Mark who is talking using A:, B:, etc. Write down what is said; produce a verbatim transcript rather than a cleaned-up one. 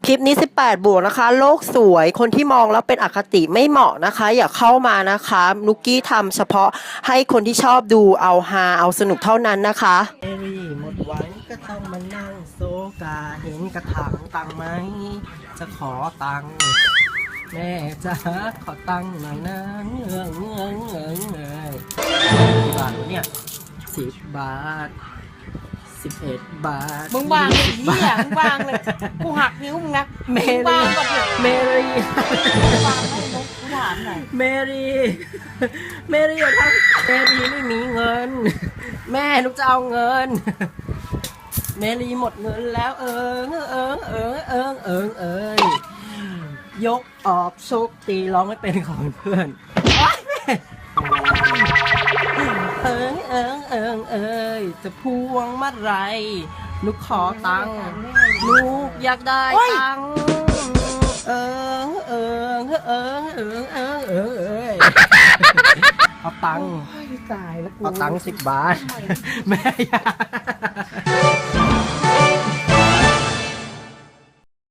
A: คลิปนี้สิบแปดบวกนะคะโลกสวยคนที่มองแล้วเป็นอคติไม่เหมาะนะคะ อย่าเข้ามานะคะนุกกี้ทำเฉพาะให้คนที่ชอบดูเอาฮาเอาสนุกเท่านั้นนะคะเอรี่หมดหวังก็ต้องมานั่งโซกาเห็นกระถางตังไหมจะขอตังค์แม่จ๋าขอตังค์หน่อยนะเงื้อเงื้อเงื้อเงื้อกี่บาทวะเนี่ยสิบบาทสิบเอ็ดบาท
B: มึงวางเลยเหี้ยมึงวางเลยกูหักนิ้วมึงนะ
A: เม
B: มึงวา
A: รี่
B: งก่อนเถอะ
A: เมรี่
B: วางให้นกกูถามหน่อย
A: เมรี่ เมรี่อย่าทำเมรี่ไม่มีเงิน แม่ลูกจะเอาเงิน เมรี่หมดเงินแล้วเอิงเอิงเอิงเอิงเอิงเอิงยกออกโชคตีร้องไม่เป็นของเพื่อนโอ๊ยแม่เอิงเอิงเอิงเอิงจะพวงมาไรลูกขอตังค์ลูกอยากได้ตังค์เอิงเอิงเอิงเอิงเอิงเอิงเอิงเอาตังค์
B: ตายแล้วกู
A: เอาตังค์สิบบาท แม่อยา